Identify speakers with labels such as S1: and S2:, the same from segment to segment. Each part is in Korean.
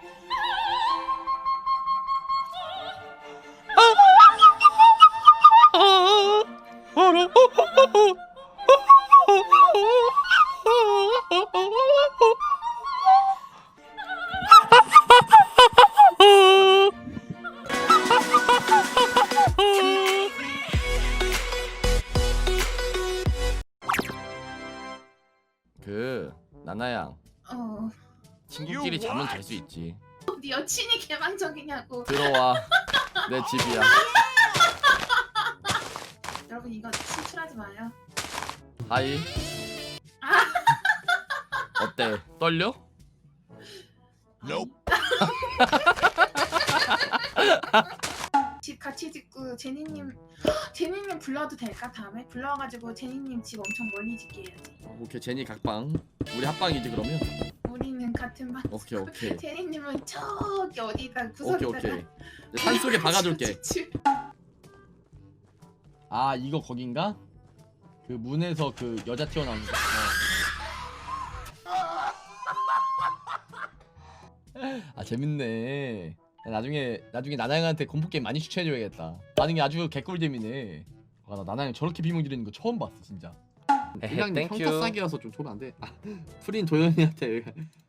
S1: 나나양. 친구끼리 자면 잘 수 있지.
S2: 네 여친이 개방적이냐고.
S1: 들어와. 내 집이야.
S2: 여러분 이거 친출하지 마요.
S1: 하이. 어때? 떨려?
S2: Nope. 집 같이 짓고 제니님 불러도 될까? 다음에 불러가지고 제니님 집 엄청 멀리 짓게 해야지.
S1: 오케이 제니 각방. 우리 합방이지 그러면?
S2: 우리는 같은 방.
S1: 오케이.
S2: 제니님은 저기 어디다
S1: 오케이. 산속에 박아둘게. 아 이거 거긴가? 그 문에서 그 여자 튀어나오는 거. 아 재밌네. 나중에 나나양한테 공포 게임 많이 추천해줘야겠다. 반응이 아주 개꿀잼이네. 와, 나 나나양 저렇게 비명 지르는 거 처음 봤어 진짜. 그냥 평타 싸기라서 좀 좋으면 안 돼? 프린 도현이한테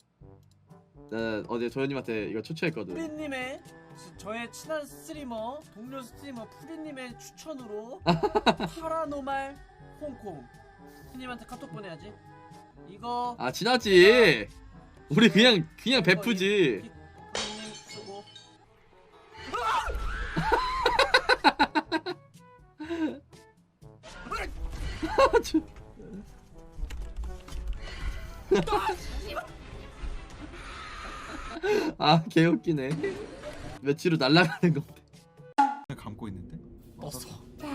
S1: 어제 도현님한테 이거 추천했거든.
S3: 프린님의 저의 친한 스트리머 동료 스트리머 프린님의 추천으로 파라노말 홍콩 프린님한테 카톡 보내야지. 이거
S1: 아 지났지. 우리 그냥 베푸지.
S3: 프린님 쓰고
S1: 아 개웃기네. 며칠 후 날아가는 거.
S4: 감고 있는데?
S1: 없어.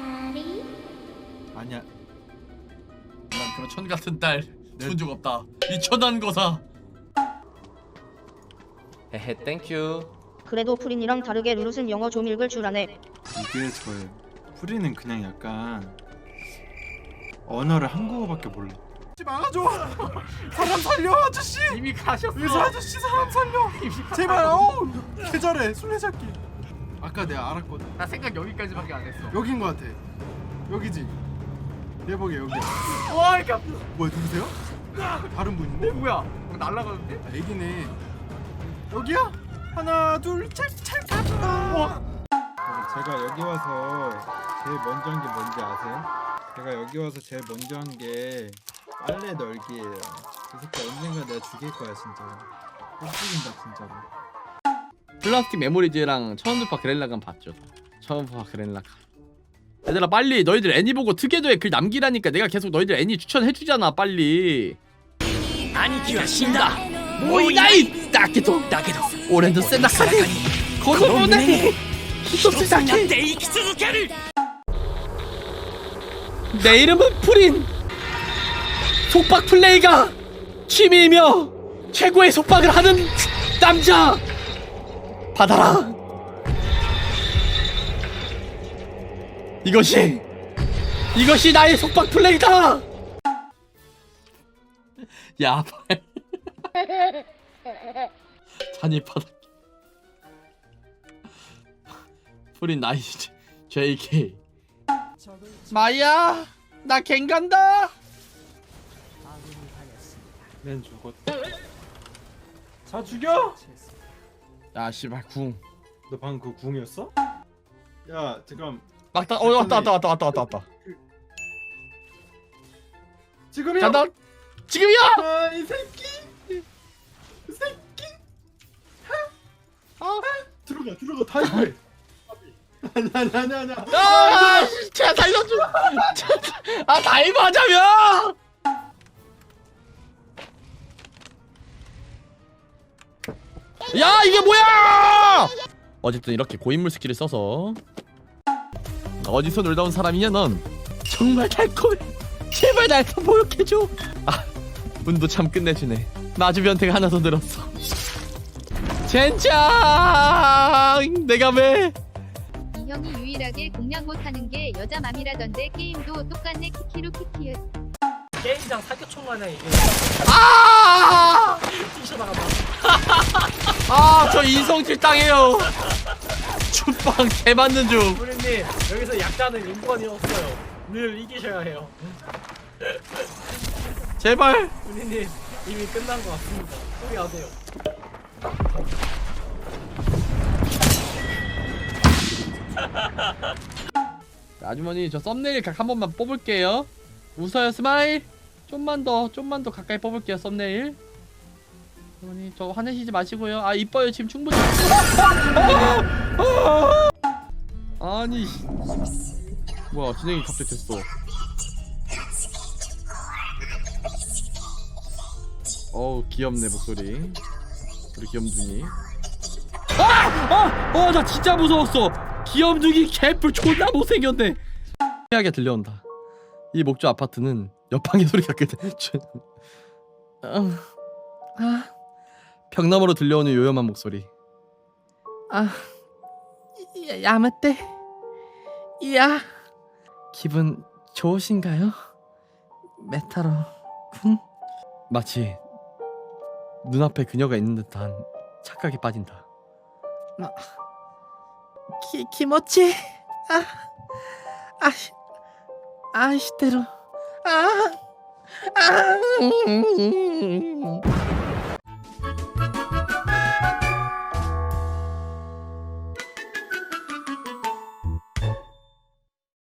S4: 아니야.
S1: 난 그런 천 같은 딸 준 적 없다. 이 천한 거사. 헤헤 땡큐.
S5: 그래도 프린이랑 다르게 루루는 영어 좀 읽을 줄 아네.
S4: 이게 저예요. 프리는 그냥 약간 언어를 한국어밖에 몰라. 막아줘! 사람 살려 아저씨!
S1: 이미 가셨어.
S4: 의사 아저씨 사람 살려! 제발 어우! 계절에 술래잡기. 아까 내가 알았거든.
S1: 나 생각 여기까지밖에 안 했어.
S4: 여긴 거 같아. 여기지. 대박이 여기야.
S1: 와 이게
S4: 뭐야 누구세요? 다른 분인데?
S1: 뭐야? 날아가는데?
S4: 아, 애기네. 여기야? 하나 둘셋 가자. 제가 여기 와서 제일 먼저 한 게 뭔지 아세요? 제가 여기 와서 제일 먼저 한 게 빨래 널기예요. 그 새끼 언젠가 내가 죽일 거야 진짜로. 못 죽인다 진짜로.
S1: 플라스틱 메모리즈랑 처음부터 그렐라간 봤죠. 처음부터 그렐라간. 얘들아 빨리 너희들 애니 보고 특혜도에 글 남기라니까. 내가 계속 너희들 애니 추천해주잖아 빨리. 아니키와 신다 모이나이 다케도 오렌도 센다카니 고노모네 히토츠사케 내 이름은 프린. 속박 플레이가 취미이며 최고의 속박을 하는 남자. 받아라. 이것이 나의 속박 플레이다. 야 잔이 바닥. 프린 나이스 JK. 마이야 나 갱 간다.
S4: 맨 죽었다. 자 죽여!
S1: 야 씨발 궁.
S4: 너 방금 그 궁이었어? 야 잠깐.
S1: 왔다 왔다.
S4: 지금이야!
S1: 간다. 지금이야.
S4: 이 새끼! 이 새끼! 들어가 다이브해. 아니야.
S1: 아 제가 살려줘. 아 다이브 하자며. 야 이게 뭐야. 어쨌든 이렇게 고인물 스킬을 써서. 어디서 놀다 온 사람이냐 넌. 정말 달콤해. 제발 날 좀 보육해줘. 아 운도 참 끝내주네. 마주 변태가 하나 더 늘었어. 젠장. 내가 왜.
S6: 이 형이 유일하게 공략 못하는 게 여자 맘이라던데. 게임도 똑같네 키키루 키키읓.
S3: 게임장 사격총 마냥 이게
S1: 아!
S3: 뛰쳐나가다.
S1: 아, 저 인성질 당해요. 주빵 개 맞는 중.
S3: 프린님 여기서 약자는 인권이 없어요. 늘 이기셔야 해요.
S1: 제발.
S3: 프린님 이미 끝난 것 같습니다. 포기하세요.
S1: 아주머니 저 썸네일 각 한 번만 뽑을게요. 웃어요 스마일. 좀만 더 가까이 뽑을게요 썸네일. 아주머니 저 화내시지 마시고요. 아 이뻐요 지금 충분히. 아니 뭐야 진행이 갑자기 됐어. 어우 귀엽네 목소리. 우리 귀염둥이. 나 진짜 무서웠어. 귀염둥이 개뿔 존나 못생겼네. 하게 들려온다. 이 목조 아파트는 옆방의 소리가 그대. 벽 너머로 들려오는 요염한 목소리. 야마떼. 야. 기분 좋으신가요? 메타로 군. 마치 눈앞에 그녀가 있는 듯한 착각에 빠진다. 키모치. 아시테로.